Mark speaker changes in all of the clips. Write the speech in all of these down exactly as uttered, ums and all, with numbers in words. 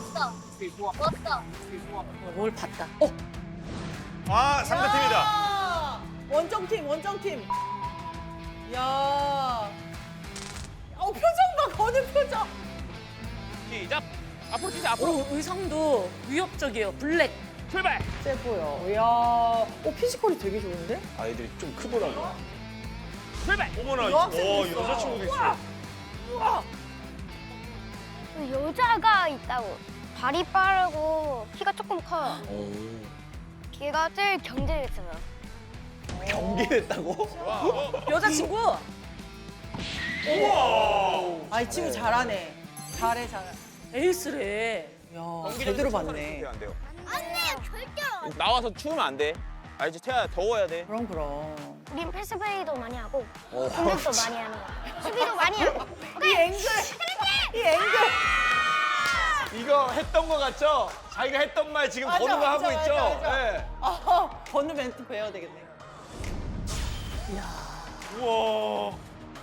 Speaker 1: 왔어. 왔어.
Speaker 2: 뭘 봤다. 어,
Speaker 3: 아, 상대팀이다.
Speaker 4: 야! 원정팀, 원정팀. 야. 어, 표정 봐, 거는 표정.
Speaker 5: 시작. 앞으로 뛰자. 앞으로.
Speaker 2: 오, 의상도 위협적이에요. 블랙.
Speaker 5: 출발.
Speaker 4: 세 보여. 이야. 어, 피지컬이 되게 좋은데?
Speaker 3: 아이들이 좀 크더라고요.
Speaker 5: 출발.
Speaker 3: 어머나,
Speaker 4: 여학생도
Speaker 3: 어,
Speaker 4: 있어.
Speaker 3: 여자친구도 있어.
Speaker 4: 우와.
Speaker 1: 여자가 있다고. 발이 빠르고 키가 조금 커요. 걔가 제일 경쟁했어요.
Speaker 3: 경기했다고?
Speaker 2: 여자친구.
Speaker 4: 아, 이 친구 잘하네. 잘해, 잘해.
Speaker 2: 에이스래.
Speaker 4: 야, 제대로 봤네.
Speaker 3: 네, 안 돼요.
Speaker 1: 안돼 절대.
Speaker 5: 나와서 추우면 안 돼. 알지? 태야 더워야 돼.
Speaker 4: 그럼, 그럼.
Speaker 1: 우린 패스플레이도 많이 하고 공격도 많이 하는 거. 수비도 많이 하고.
Speaker 4: 이 앵글! 이 앵글!
Speaker 3: 이거 했던 거 같죠? 자기가 했던 말 지금
Speaker 4: 맞아,
Speaker 3: 번호가 하고
Speaker 4: 맞아,
Speaker 3: 있죠?
Speaker 4: 맞아, 맞아.
Speaker 3: 네.
Speaker 4: 아, 번호 멘트 배워야 되겠네.
Speaker 3: 우와.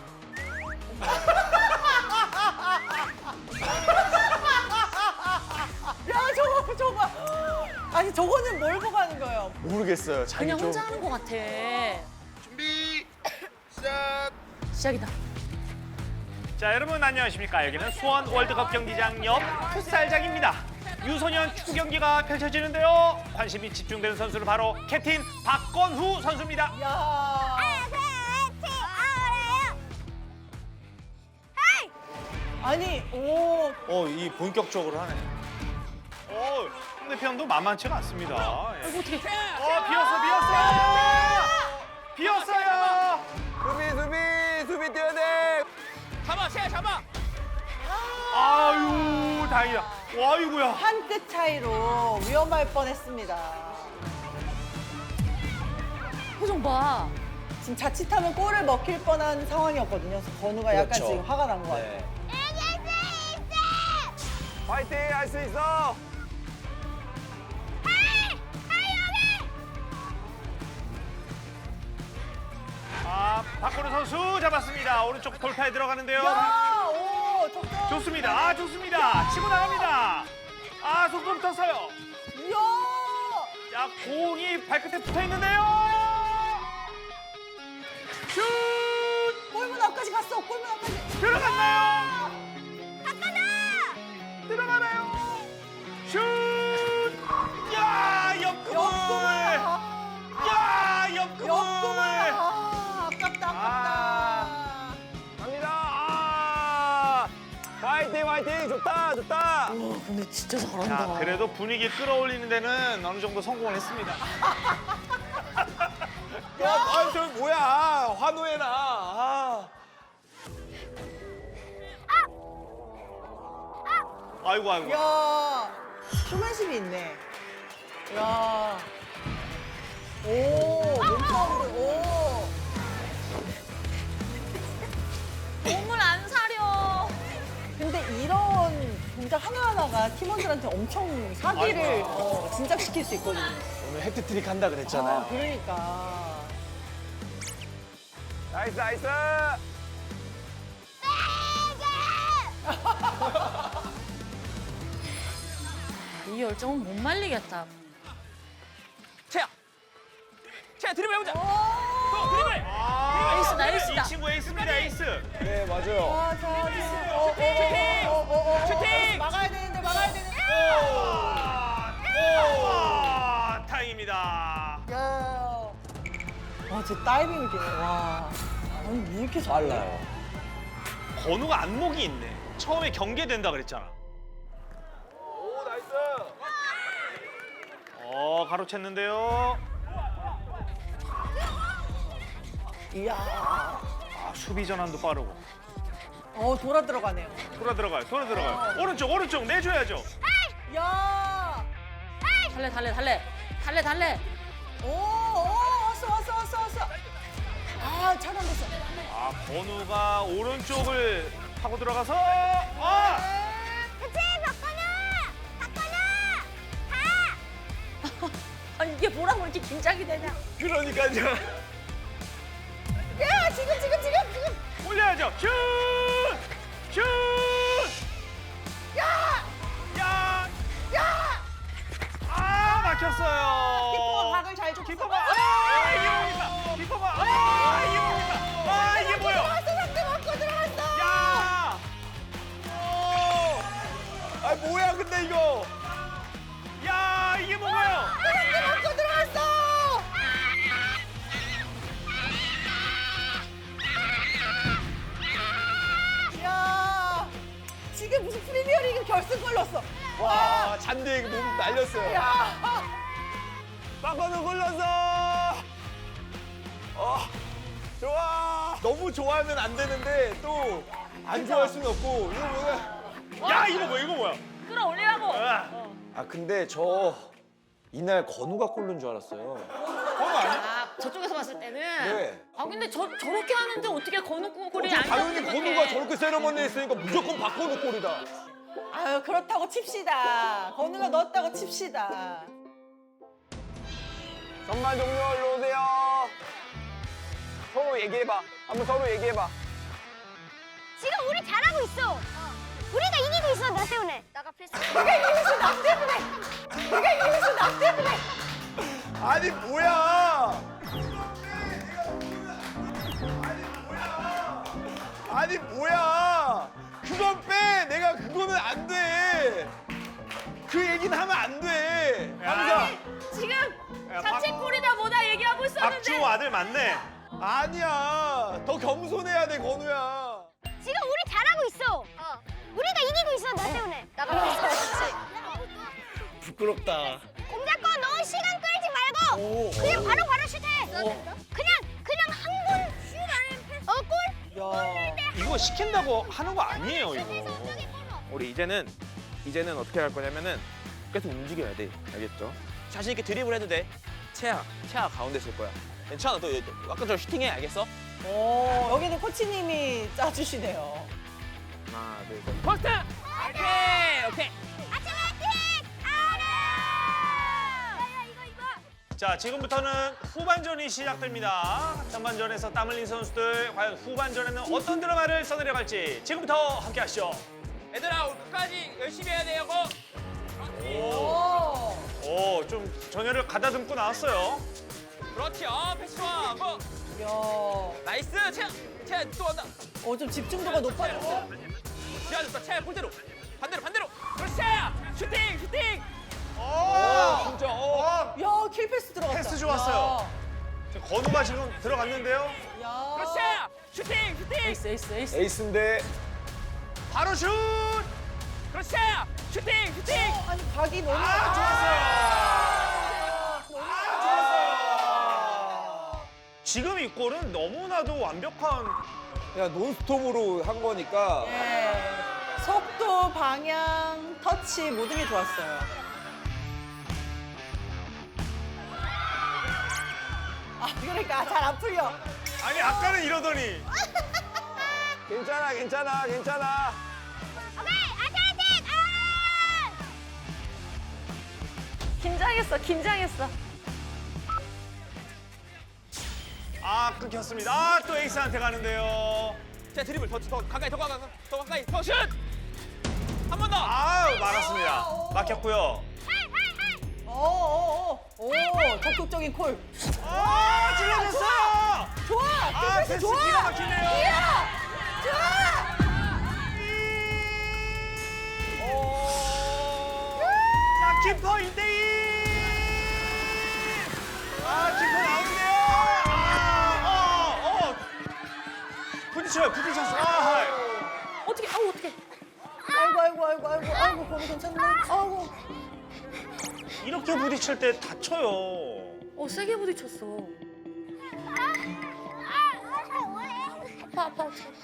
Speaker 4: 야, 저거, 저거. 아니, 저거는 뭘 보고 하는 거예요?
Speaker 3: 모르겠어요. 자기
Speaker 2: 그냥
Speaker 3: 좀.
Speaker 2: 혼자 하는 것 같아.
Speaker 6: 준비 시작.
Speaker 2: 시작이다.
Speaker 7: 자, 여러분 안녕하십니까? 여기는 수원 월드컵 경기장 옆 풋살장입니다. 유소년 축구 경기가 펼쳐지는데요. 관심이 집중되는 선수는 바로 캡틴 박건후 선수입니다.
Speaker 4: 야. 아니, 오.
Speaker 3: 어, 이 본격적으로 하네.
Speaker 7: 어, 상대편도 만만치가 않습니다. 예.
Speaker 2: 아이고, 어떻게.
Speaker 7: 어, 비었어, 비었어! 비었어요!
Speaker 3: 수비, 수비, 수비 뛰어야 돼.
Speaker 5: 잡아, 태야 잡아.
Speaker 7: 아유, 다행이다. 와, 아이고야.
Speaker 4: 한 끗 차이로 위험할 뻔했습니다.
Speaker 2: 표정 봐.
Speaker 4: 지금 자칫하면 골을 먹힐 뻔한 상황이었거든요. 그래서 건우가 약간
Speaker 3: 그렇죠.
Speaker 4: 지금 화가 난 것 같아요.
Speaker 3: 네. 파이팅! 할 수 있어!
Speaker 7: 아, 박건후 선수 잡았습니다. 오른쪽 돌파에 들어가는데요.
Speaker 4: 야, 오, 적당.
Speaker 7: 좋습니다. 아, 좋습니다. 치고 나갑니다. 아, 속도 붙었어요.
Speaker 4: 이야.
Speaker 7: 자, 공이 발끝에 붙어 있는데요. 슛!
Speaker 4: 골문 앞까지 갔어. 골문 앞까지.
Speaker 7: 들어갔나요? 들어가나요? 슛! 야, 옆구물!
Speaker 4: 옆구물.
Speaker 7: 야, 옆구물!
Speaker 4: 옆구물. 아, 아깝다,
Speaker 7: 아.
Speaker 4: 아깝다.
Speaker 3: 갑니다! 아! 파이팅, 파이팅! 좋다, 좋다!
Speaker 2: 와, 근데 진짜 잘한다.
Speaker 7: 자, 그래도 분위기 끌어올리는 데는 어느 정도 성공을 했습니다.
Speaker 3: 야, 아, 저 뭐야? 환호해라. 아.
Speaker 7: 아이고, 아이고.
Speaker 4: 야, 휴맨십이 있네. 야. 오, 몸싸움으로, 오.
Speaker 2: 몸을 안 사려.
Speaker 4: 근데 이런 동작 하나하나가 팀원들한테 엄청 사기를 어, 진작시킬 수 있거든요.
Speaker 3: 오늘 해트트릭 한다 그랬잖아요.
Speaker 4: 아, 그러니까.
Speaker 3: 나이스, 나이스!
Speaker 2: 이 열정은 못 말리겠다.
Speaker 5: 태야. 태야 드리블 해보자.
Speaker 4: 오!
Speaker 5: 또 드리블.
Speaker 7: 아,
Speaker 2: 에이스다, 에이스다.
Speaker 7: 이 친구 에이스입니다, 에이스.
Speaker 3: 네, 맞아요.
Speaker 4: 아, 자, 어, 어, 어, 어, 어, 어, 어,
Speaker 5: 슈팅!
Speaker 4: 막아야 되는데, 막아야 되는데.
Speaker 7: 아, 아, 다행입니다.
Speaker 4: 야. 와, 제 다이빙을 뛰네. 와. 아니, 왜 이렇게 잘해?
Speaker 3: 빨라요.
Speaker 7: 건우가 안목이 있네. 처음에 경계된다 그랬잖아.
Speaker 3: 오, 나이스!
Speaker 7: 어, 가로챘는데요.
Speaker 4: 이야.
Speaker 7: 아, 수비 전환도 빠르고.
Speaker 4: 어, 돌아 들어가네요.
Speaker 7: 돌아 들어가요, 돌아 들어가요. 오른쪽, 오른쪽 내줘야죠.
Speaker 4: 야.
Speaker 2: 달래, 달래, 달래. 달래, 달래.
Speaker 4: 오, 오, 왔어, 왔어, 왔어, 왔어. 아, 차단됐어.
Speaker 7: 아, 건우가 오른쪽을 하고 들어가서 아!
Speaker 1: 그치 박건우. 박건우.
Speaker 2: 아, 이게 뭐라고 이렇게 긴장이 되냐.
Speaker 3: 그러니까요.
Speaker 4: 야, 지금, 지금, 지금, 지금.
Speaker 7: 올려야죠. 슛! 슛!
Speaker 4: 야!
Speaker 7: 야!
Speaker 3: 뭐야 근데 이거.
Speaker 7: 야 이게 뭔가요?
Speaker 4: 또 들어갔어. 야, 지금 무슨 프리미어리그 결승골 넣었어.
Speaker 3: 와 잔디에 몸 날렸어요.
Speaker 4: 야,
Speaker 3: 박건우 골랐어. 어 좋아. 너무 좋아하면 안 되는데 또 안 좋아할 수는 없고 이거 뭐야?
Speaker 7: 야 이거 뭐야 이거 뭐야?
Speaker 2: 끌어올리라고.
Speaker 7: 아,
Speaker 3: 아 근데 저 이날 건우가 골 넣은 줄 알았어요.
Speaker 2: 아, 저쪽에서 봤을 때는.
Speaker 3: 네.
Speaker 2: 아, 근데 저, 저렇게 하는데 어떻게 건우 골이 안
Speaker 3: 당연히
Speaker 2: 넣는
Speaker 3: 건우가 저렇게 세레머니 했으니까 무조건 박건우 골이다.
Speaker 4: 아유 그렇다고 칩시다. 건우가 넣었다고 칩시다.
Speaker 5: 전반 종료 일로 오세요. 서로 얘기해봐. 한번 서로 얘기해봐.
Speaker 1: 지금 우리 잘하고 있어. 우리가 이기고 있어 나 때문에. 나가 패스.
Speaker 4: 내가 이기고 있어 나 때문에. 내가 이기고 있어 나 때문에.
Speaker 3: 아니 뭐야? 아니 뭐야? 그건 빼. 내가 그거는 안 돼. 그 얘기는 하면 안 돼. 항상
Speaker 2: 지금
Speaker 7: 야,
Speaker 2: 자책골이다 뭐다 얘기하고 있었는데.
Speaker 7: 박주호 아들 맞네.
Speaker 3: 아니야. 더 겸손해야 돼 건우야.
Speaker 1: 지금 우리 잘하고 있어. 우리가 이기고 있어 나 때문에. 나가 패스.
Speaker 3: 부끄럽다.
Speaker 1: 공 잡고 너 시간 끌지 말고 그냥 바로 바로 슛해. 그냥 그냥 한 골 슛 아니면 패스. 어 골?
Speaker 4: 야,
Speaker 7: 이거 시킨다고 하는 거 아니에요 이거.
Speaker 5: 우리 이제는 이제는 어떻게 할 거냐면은 계속 움직여야 돼. 알겠죠? 자신 있게 드리블 해도 돼. 채아, 채아 가운데 있을 거야. 괜찮아. 너 아까 저 슈팅해. 알겠어?
Speaker 4: 오, 여기는 코치님이 짜주시네요.
Speaker 5: 하나, 둘, 셋. 포스트! 오케이, 오케이.
Speaker 1: 아침 화이팅! 알아! 야야 이거 이거.
Speaker 7: 자 지금부터는 후반전이 시작됩니다. 전반전에서 땀 흘린 선수들 과연 후반전에는 어떤 드라마를 써내려 갈지 지금부터 함께 하시죠.
Speaker 5: 얘들아, 오늘 끝까지 열심히 해야 돼요.
Speaker 4: 오,
Speaker 7: 오, 좀 전열을 가다듬고 나왔어요.
Speaker 5: 그렇지. 아, 패스 좋아. 뭐.
Speaker 4: 야,
Speaker 5: 나이스. 채아, 채아 또 간다.
Speaker 4: 어, 좀 집중도가 높아졌어.
Speaker 5: 지하줬다. 채아 골대로. 반대로, 반대로. 그렇지. 채아. 슈팅, 슈팅.
Speaker 7: 오,
Speaker 3: 진짜. 어.
Speaker 4: 야, 킬패스 들어갔다.
Speaker 7: 패스 좋았어요. 지금 건우가 지금 들어갔는데요.
Speaker 4: 야, 야.
Speaker 5: 그렇지. 채아. 슈팅, 슈팅.
Speaker 4: 에이스, 에이스, 에이스.
Speaker 3: 에이스인데
Speaker 7: 바로 슛!
Speaker 5: 그렇지. 채아. 슈팅, 슈팅.
Speaker 4: 아니, 각이 너무.
Speaker 7: 아, 좋았어요. 아, 좋았어요. 지금 이 골은 너무나도 완벽한
Speaker 3: 그냥 논스톱으로 한 거니까
Speaker 4: 네. 속도, 방향, 터치 모든 게 좋았어요. 아, 그러니까 잘 안 풀려.
Speaker 7: 아니 아까는 이러더니
Speaker 3: 괜찮아 괜찮아 괜찮아.
Speaker 1: 오케이 아침 화이팅! 아!
Speaker 2: 긴장했어, 긴장했어.
Speaker 7: 아 끊겼습니다. 아, 또 에이스한테 가는데요.
Speaker 5: 채아 드리블 더, 더 가까이, 더 가까이, 더 가까이. 더 슛. 한 번 더.
Speaker 7: 아 막았습니다. 막혔고요.
Speaker 4: 오, 오, 오, 오, 적극적인 콜.
Speaker 7: 아 찔러줬어요.
Speaker 4: 좋아,
Speaker 7: 아
Speaker 4: 킬패스
Speaker 7: 패스
Speaker 4: 좋아.
Speaker 7: 기가 막히네요.
Speaker 4: 좋아.
Speaker 7: 자 키퍼 일 대 이. 아 키퍼 나오는데요. 아, 어, 어. 부딪혀요, 부딪혔어. 아,
Speaker 2: 어떻게, 아우, 어떻게.
Speaker 4: 아이고, 아이고, 아이고, 아이고, 아이고, 거기 괜찮네. 아이고.
Speaker 7: 이렇게 부딪힐 때 다쳐요.
Speaker 2: 어, 세게 부딪혔어. 아파, 아파.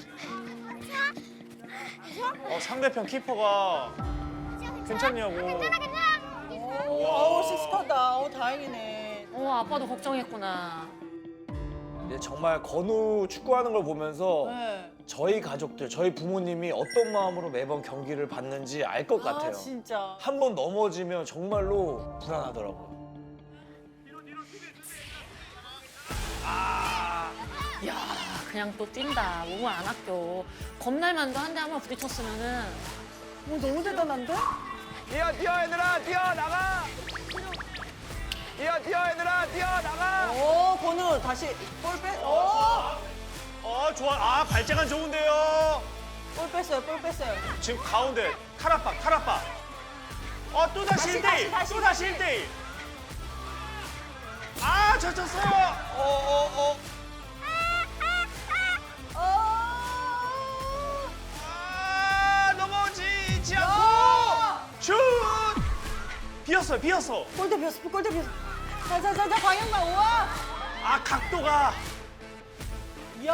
Speaker 7: 어, 상대편 키퍼가 괜찮냐고.
Speaker 1: 괜찮아 괜찮아.
Speaker 4: 오, 아우, 씩씩하다. 오, 다행이네.
Speaker 2: 어, 아빠도 걱정했구나.
Speaker 3: 근데 정말 건우 축구하는 걸 보면서
Speaker 4: 네.
Speaker 3: 저희 가족들, 저희 부모님이 어떤 마음으로 매번 경기를 봤는지 알 것 같아요.
Speaker 4: 아, 진짜.
Speaker 3: 한 번 넘어지면 정말로 불안하더라고요.
Speaker 2: 야, 그냥 또 뛴다. 몸을 안 아껴. 겁날만도 한데 한번 부딪혔으면은.
Speaker 4: 오, 너무 대단한데?
Speaker 5: 뛰어, 뛰어, 얘들아. 뛰어, 나가. 뛰어, 뛰어, 얘들아. 뛰어, 나가.
Speaker 4: 오, 건우 다시 볼 뺐. 오,
Speaker 7: 어, 좋아. 아, 발재간 좋은데요.
Speaker 4: 볼 뺐어요, 볼 뺐어요.
Speaker 7: 지금 가운데 탈압박, 탈압박. 어, 또 다시 일 대 일. 또 다시 일 대 일. 아, 젖혔어요.
Speaker 5: 어, 어, 어.
Speaker 7: 아, 넘어지지 않고 슛! 비었어요, 비었어.
Speaker 4: 골대 비었어, 골대 비었어. 자자자자 방향만 우와.
Speaker 7: 아, 각도가.
Speaker 4: 야.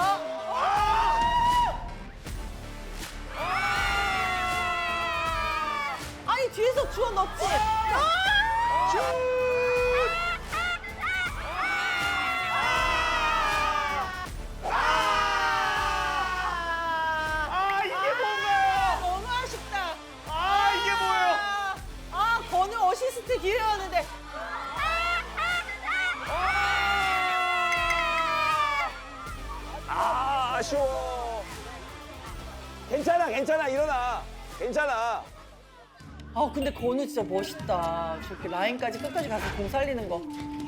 Speaker 4: 아니 뒤에서 주워 넣지.
Speaker 7: 아, 이게 뭔가요?
Speaker 4: 너무 아쉽다.
Speaker 7: 아, 이게 뭐예요?
Speaker 4: 아 건우 어시스트 기회였는데.
Speaker 5: 아, 아쉬워. 괜찮아, 괜찮아. 일어나. 괜찮아.
Speaker 4: 아 근데 건우 진짜 멋있다. 저렇게 라인까지 끝까지 가서 공 살리는 거.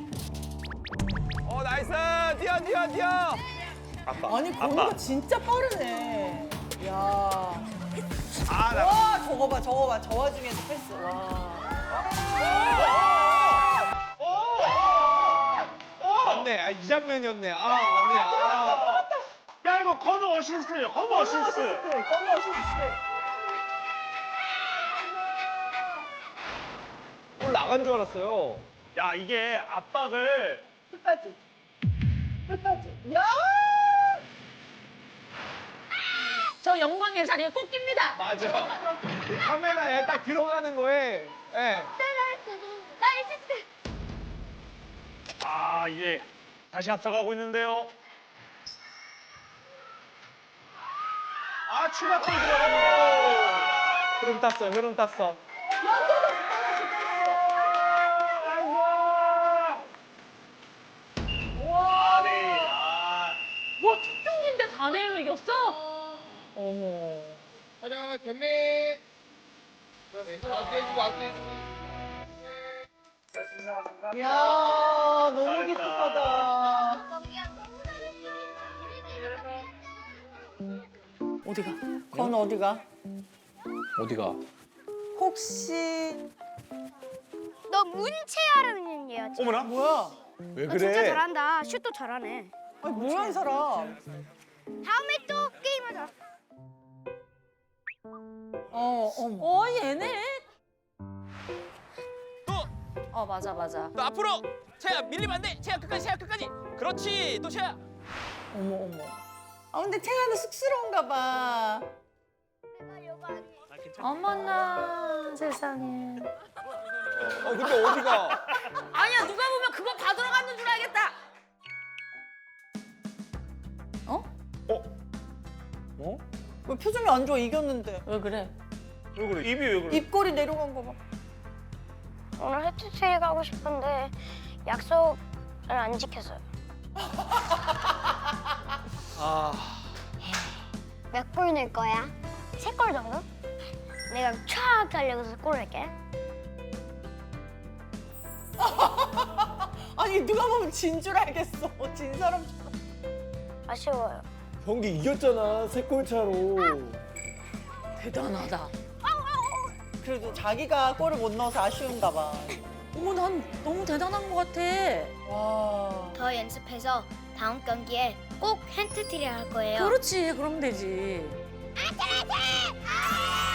Speaker 5: 어, 나이스. 뛰어, 뛰어, 뛰어.
Speaker 7: 아빠.
Speaker 4: 아니 건우가 진짜 빠르네. 야.
Speaker 7: 아, 나.
Speaker 4: 와 저거 봐 저거 봐 저 와중에도 패스. 와.
Speaker 3: 맞네. 아, 이 장면이었네. 아, 맞네. 아.
Speaker 7: 야, 이거 건우 어시스트예요. 건우 어시스트.
Speaker 4: 건우 어시스트.
Speaker 3: 골 나간 줄 알았어요.
Speaker 7: 야, 이게 압박을
Speaker 4: 끝까지. 끝까지. 야.
Speaker 2: 저 영광의 자리에 꼭 낍니다.
Speaker 3: 맞아. 이 카메라에 딱 들어가는 거에. 예.
Speaker 7: 아, 이제 다시 앞서가고 있는데요. 아, 추가골 들어갑니다.
Speaker 3: 흐름 탔어, 흐름 탔어.
Speaker 7: 와, 네. 아,
Speaker 2: 뭐 특종인데 다 내로 이겼어?
Speaker 4: 어머.
Speaker 6: 하나 경례. 앞에주고 앞에주고.
Speaker 4: 야 너무 기특하다.
Speaker 2: 어디가?
Speaker 4: 건우 어디가?
Speaker 3: 어디가?
Speaker 4: 혹시
Speaker 1: 너 문채하라는 얘야.
Speaker 7: 어머나.
Speaker 4: 뭐야?
Speaker 3: 왜
Speaker 1: 너 진짜 잘한다. 슛도 잘하네.
Speaker 4: 아니 뭐야 이 사람?
Speaker 1: 다음에 또 게임하자.
Speaker 4: 어 어머.
Speaker 2: 어 얘네.
Speaker 5: 또,
Speaker 2: 어 맞아 맞아.
Speaker 5: 또 앞으로. 채야, 밀리면 안 돼. 채야, 끝까지, 채야, 끝까지. 그렇지. 또 채야.
Speaker 4: 어머 어머. 아 근데 태아는 쑥스러운가 봐.
Speaker 2: 어머나 세상에.
Speaker 5: 어, 근데 어디가?
Speaker 2: 아니야 누가 보면 그거 받으러 갔는 줄 알겠다. 어?
Speaker 7: 어?
Speaker 4: 왜 표정이 안 좋아? 이겼는데.
Speaker 2: 왜 그래?
Speaker 7: 왜 그래? 입이 왜 그래?
Speaker 4: 입꼬리 내려간 거 봐.
Speaker 1: 오늘 해트트릭 하고 싶은데 약속을 안 지켰어요.
Speaker 3: 아.
Speaker 1: 몇 골 넣을 거야? 세 골 정도? 내가 촥 달려가서 골 낼게.
Speaker 4: 아니 누가 보면 진 줄 알겠어. 진 사람처럼.
Speaker 1: 아쉬워요.
Speaker 3: 경기 이겼잖아, 세 골 차로.
Speaker 2: 대단하다.
Speaker 4: 그래도 자기가 골을 못 넣어서 아쉬운가 봐.
Speaker 2: 어머 난 너무 대단한 것 같아.
Speaker 4: 와.
Speaker 1: 더 연습해서 다음 경기에 꼭 핸트트릭 할 거예요.
Speaker 2: 그렇지 그럼 되지.
Speaker 1: 아,